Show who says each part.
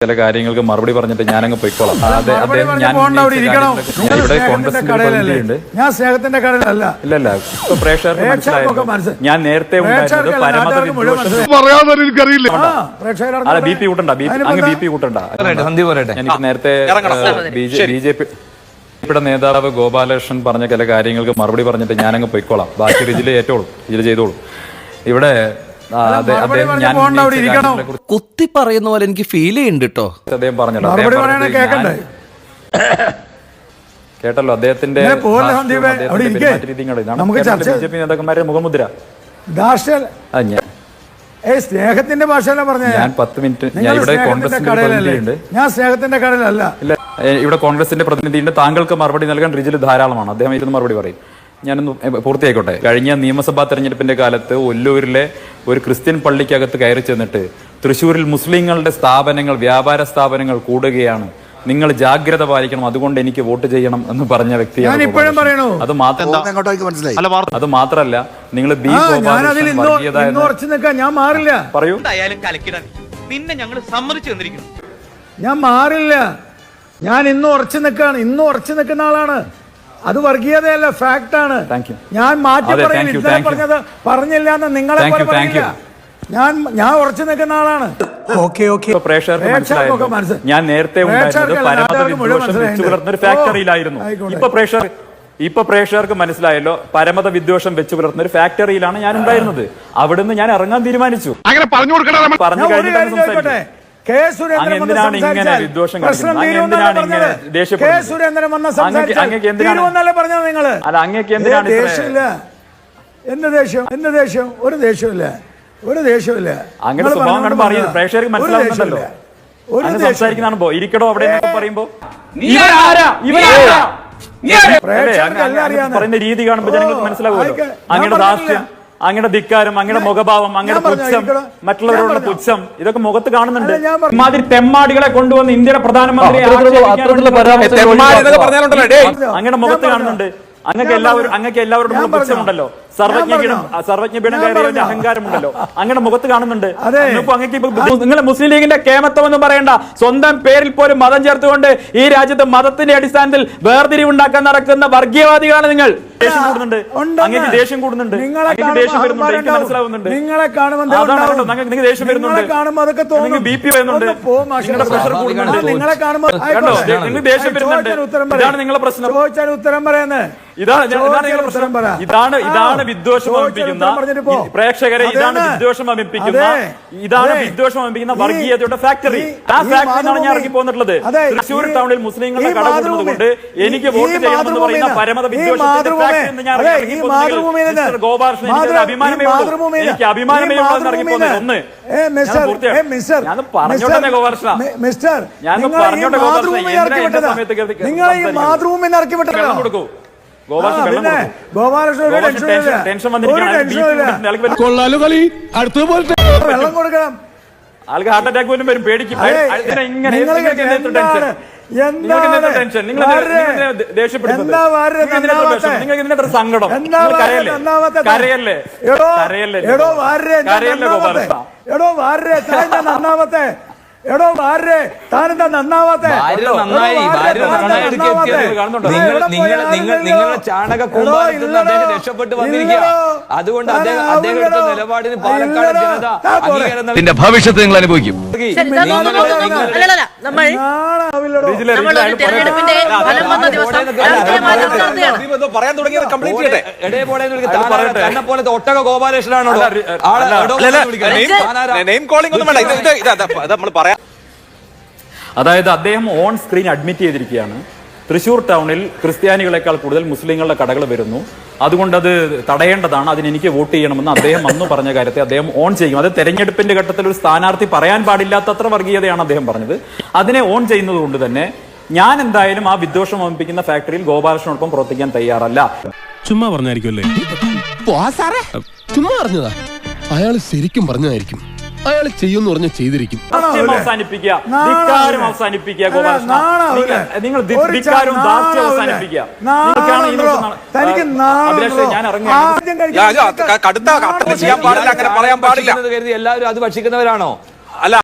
Speaker 1: ചില കാര്യങ്ങൾക്ക് മറുപടി പറഞ്ഞിട്ട് ഞാനങ്ങ് പോയിക്കോളാം.
Speaker 2: ഞാൻ സ്നേഹത്തിന്റെ കടലല്ല.
Speaker 1: ഇല്ലല്ല, ഇപ്പൊ പ്രേക്ഷകർക്ക് മനസ്സിലായി. ഞാൻ നേരത്തെ ബി പി കൂട്ടണ്ട, ബി പി കൂട്ടണ്ട. എനിക്ക് നേരത്തെ ബിജെപിയുടെ നേതാവ് ഗോപാലകൃഷ്ണൻ പറഞ്ഞ ചില കാര്യങ്ങൾക്ക് മറുപടി പറഞ്ഞിട്ട് ഞാനങ്ങ് പോയിക്കോളാം. ബാക്കി റിജില് ഏറ്റോളും, ഇതിൽ ചെയ്തോളും. ഇവിടെ
Speaker 3: കുത്തി പറയുന്ന പോലെ എനിക്ക് ഫീൽ ചെയ്യുന്നുണ്ട് കേട്ടോ.
Speaker 1: അദ്ദേഹം പറഞ്ഞല്ലോ, കേട്ടല്ലോ അദ്ദേഹത്തിന്റെ ബിജെപി നേതാക്കന്മാരുടെ മുഖമുദ്ര.
Speaker 2: സ്നേഹത്തിന്റെ ഭാഷയല്ല പറഞ്ഞ.
Speaker 1: ഞാൻ 10 മിനിറ്റ് ഇവിടെ കോൺഗ്രസിന്റെ പ്രതിനിധിയുണ്ട്.
Speaker 2: ഞാൻ സ്നേഹത്തിന്റെ കടലല്ല.
Speaker 1: ഇല്ല, ഇവിടെ കോൺഗ്രസിന്റെ പ്രതിനിധിയുണ്ട്. താങ്കൾക്ക് മറുപടി നൽകാൻ റിജിൽ ധാരാളമാണ്. അദ്ദേഹം ഇരുന്ന് മറുപടി പറയും. ഞാനൊന്ന് പൂർത്തിയായിക്കോട്ടെ. കഴിഞ്ഞ നിയമസഭാ തെരഞ്ഞെടുപ്പിന്റെ കാലത്ത് ഒല്ലൂരിലെ ഒരു ക്രിസ്ത്യൻ പള്ളിക്കകത്ത് കയറി ചെന്നിട്ട് തൃശ്ശൂരിൽ മുസ്ലിങ്ങളുടെ സ്ഥാപനങ്ങൾ, വ്യാപാര സ്ഥാപനങ്ങൾ കൂടുകയാണ്, നിങ്ങൾ ജാഗ്രത പാലിക്കണം, അതുകൊണ്ട് എനിക്ക് വോട്ട് ചെയ്യണം എന്ന് പറഞ്ഞ വ്യക്തിയാണ്. അത് മാത്രല്ല, നിങ്ങൾ
Speaker 2: ഞാൻ മാറില്ല.
Speaker 1: പറയൂ.
Speaker 2: ഞാൻ മാറില്ല. ഞാൻ ഇന്നും ഉറച്ചു നിൽക്കാണ്. ഇന്നും ഉറച്ചു നിൽക്കുന്ന ആളാണ്. അത് വർഗീയതയല്ല, ഫാക്ട് ആണ്. ഞാൻ മാറ്റി പറഞ്ഞത് പറഞ്ഞില്ല എന്ന് നിങ്ങളെ പറഞ്ഞില്ല. ഞാൻ ഉറച്ചു നിൽക്കുന്ന ആളാണ്.
Speaker 1: ഞാൻ നേരത്തെ ഒരു ഫാക്ടറിയിലായിരുന്നു. ഇപ്പൊ പ്രേക്ഷകർക്ക് മനസ്സിലായല്ലോ, പരമത വിദ്വേഷം വെച്ച് പുലർത്തുന്ന ഒരു ഫാക്ടറിയിലാണ് ഞാൻ ഉണ്ടായിരുന്നത്. അവിടുന്ന് ഞാൻ ഇറങ്ങാൻ തീരുമാനിച്ചു. പറഞ്ഞു കഴിഞ്ഞിട്ട് എന്തിനാണ് ഇങ്ങനെ വിദ്വേഷം കാണിക്കുന്നത്? എന്തിനാണ് ഇങ്ങനെ ദേഷ്യപ്പെടുന്നത്? അല്ല, അങ്ങേക്ക് എന്തിനാണ്
Speaker 2: എന്ത് ദേഷ്യം? എന്ത് ദേഷ്യം? ഒരു ദേഷ്യമില്ല, ഒരു ദേഷ്യമില്ല.
Speaker 1: അങ്ങനെ സ്വഭാവം കാണുമ്പോ അറിയുന്നു, പ്രേക്ഷകർക്ക് മനസ്സിലാവുന്നുണ്ടല്ലോ. സംസാരിക്കുന്നതാണോ ഇരിക്കടോ അവിടെ പറയുമ്പോ പറയുന്ന രീതി കാണുമ്പോ ജനങ്ങൾക്ക് മനസ്സിലാവുമല്ലോ. അങ്ങനെ ദാസ്യം, അങ്ങനെ ധിക്കാരം, അങ്ങനെ മുഖഭാവം, അങ്ങനെ പുച്ഛം, മറ്റുള്ളവരോടുള്ള പുച്ഛം, ഇതൊക്കെ മുഖത്ത് കാണുന്നുണ്ട്. ഇമാതിരി തെമ്മാടികളെ കൊണ്ടുവന്ന് ഇന്ത്യയുടെ പ്രധാനമന്ത്രി അങ്ങനെ മുഖത്ത് കാണുന്നുണ്ട്. അങ്ങക്ക് എല്ലാവരോടും പുച്ഛമുണ്ടല്ലോ, സർവജ്ഞപീഠം കയറിയതിന്റെ അഹങ്കാരമുണ്ടല്ലോ, അങ്ങനെ മുഖത്ത് കാണുന്നുണ്ട്. നിങ്ങൾ മുസ്ലിം ലീഗിന്റെ കേമത്വം എന്ന് പറയേണ്ട, സ്വന്തം പേരിൽ പോലും മതം ചേർത്തുകൊണ്ട് ഈ രാജ്യത്ത് മതത്തിന്റെ അടിസ്ഥാനത്തിൽ വേർതിരിവുണ്ടാക്കാൻ നടക്കുന്ന വർഗീയവാദികളാണ് നിങ്ങൾ. ദേഷ്യം കൂടുന്നുണ്ട്, അങ്ങനെ ദേഷ്യം കൂടുന്നുണ്ട്, അങ്ങനെ ദേഷ്യം വരുന്നുണ്ട്, എനിക്ക് മനസ്സിലാവുന്നുണ്ട്. നിങ്ങൾക്ക് ദേഷ്യം വരുന്നുണ്ട്, നിങ്ങൾക്ക് ബി പി വരുന്നുണ്ട്, നിങ്ങളുടെ പ്രഷർ കൂടുന്നുണ്ട്, നിങ്ങൾക്ക് ദേഷ്യം വരുന്നുണ്ട്. ഇതാണ് നിങ്ങളുടെ പ്രശ്നം.
Speaker 2: ഉത്തരം പറയുന്നത്
Speaker 1: ഇതാണ് വിദ്വേഷം അമിപ്പിക്കുന്ന പ്രേക്ഷകരെ, ഇതാണ് വിദ്വേഷം അമിപ്പിക്കുന്ന വർഗീയതയുടെ ഫാക്ടറി. ആ ഫാക്ടറിയാണ് ഞാൻ ഇറങ്ങി പോന്നിട്ടുള്ളത്. തൃശ്ശൂർ ടൗണിൽ മുസ്ലിങ്ങളുടെ കട കൂടുന്നത് കൊണ്ട് എനിക്ക് വോട്ട് ചെയ്യണമെന്ന് പറയുന്ന പരമത വിദ്വേഷത്തിന്റെ ഫാക്ടറി ഞാൻ ഇറങ്ങി പോകുന്നത്. ഗോപാലകൃഷ്ണൻ, എനിക്ക് അഭിമാനമേ ഇറങ്ങി പോകുന്നത്. ഒന്ന് ഞാൻ പറഞ്ഞോട്ടെ ഗോപാലകൃഷ്ണ, ഞാൻ പറഞ്ഞോട്ടെ ഗോപാലകൃഷ്ണ, സമയത്ത് കൊടുക്കൂ. ആൾക്ക് ഹാർട്ട് അറ്റാക്ക് പോലും വരും, പേടിക്കും. നിങ്ങൾക്ക് സങ്കടം, കരയല്ലേ
Speaker 2: നന്നാവത്തെ. എടോ ഭാര്യ, താനെന്താ നന്നാവാത്ത?
Speaker 3: നിങ്ങളുടെ ചാണക രക്ഷപ്പെട്ട് വന്നിരിക്കുക. അതുകൊണ്ട് അദ്ദേഹത്തിന്റെ നിലപാടിന് പാലക്കാട് ജനത അംഗീകാരം. ഭവിഷ്യത്ത് നിങ്ങൾ അനുഭവിക്കും. പറയാൻ തുടങ്ങിയത് കംപ്ലീറ്റ് ചെയ്യട്ടെ. തന്നെ പോലത്തെ ഒട്ടക ഗോപാലകൃഷ്ണനാണോ?
Speaker 1: അതായത് അദ്ദേഹം ഓൺ സ്ക്രീൻ അഡ്മിറ്റ് ചെയ്തിരിക്കുകയാണ്, തൃശ്ശൂർ ടൗണിൽ ക്രിസ്ത്യാനികളെക്കാൾ കൂടുതൽ മുസ്ലിങ്ങളുടെ കടകൾ വരുന്നു, അതുകൊണ്ട് അത് തടയേണ്ടതാണ്, അതിന് എനിക്ക് വോട്ട് ചെയ്യണമെന്ന് അദ്ദേഹം അന്ന് പറഞ്ഞ കാര്യത്തെ അദ്ദേഹം ഓൺ ചെയ്യും. അത് തെരഞ്ഞെടുപ്പിന്റെ ഘട്ടത്തിൽ ഒരു സ്ഥാനാർത്ഥി പറയാൻ പാടില്ലാത്തത്ര വർഗീയതയാണ് അദ്ദേഹം പറഞ്ഞത്. അതിനെ ഓൺ ചെയ്യുന്നത് കൊണ്ട് തന്നെ ഞാൻ എന്തായാലും ആ വിദ്വേഷം അമിപ്പിക്കുന്ന ഫാക്ടറിയിൽ ഗോപാലകൃഷ്ണനോടൊപ്പം പ്രവർത്തിക്കാൻ തയ്യാറല്ല.
Speaker 4: ചുമ്മാ പറഞ്ഞായിരിക്കുമല്ലേ?
Speaker 5: ചുമ്മാ പറഞ്ഞതാ. അയാൾ ശരിക്കും പറഞ്ഞതായിരിക്കും. അയാൾ ചെയ്യുമെന്ന് പറഞ്ഞ ചെയ്തിരിക്കും.
Speaker 1: അവസാനിപ്പിക്കുക, ധിക്കാരം അവസാനിപ്പിക്കുക ഗോപാലകൃഷ്ണ. നിങ്ങൾ ധിക്കാരവും ദാസ്യവും അവസാനിപ്പിക്കുക.
Speaker 3: എല്ലാവരും അത് ഭക്ഷിക്കുന്നവരാണോ? അല്ല.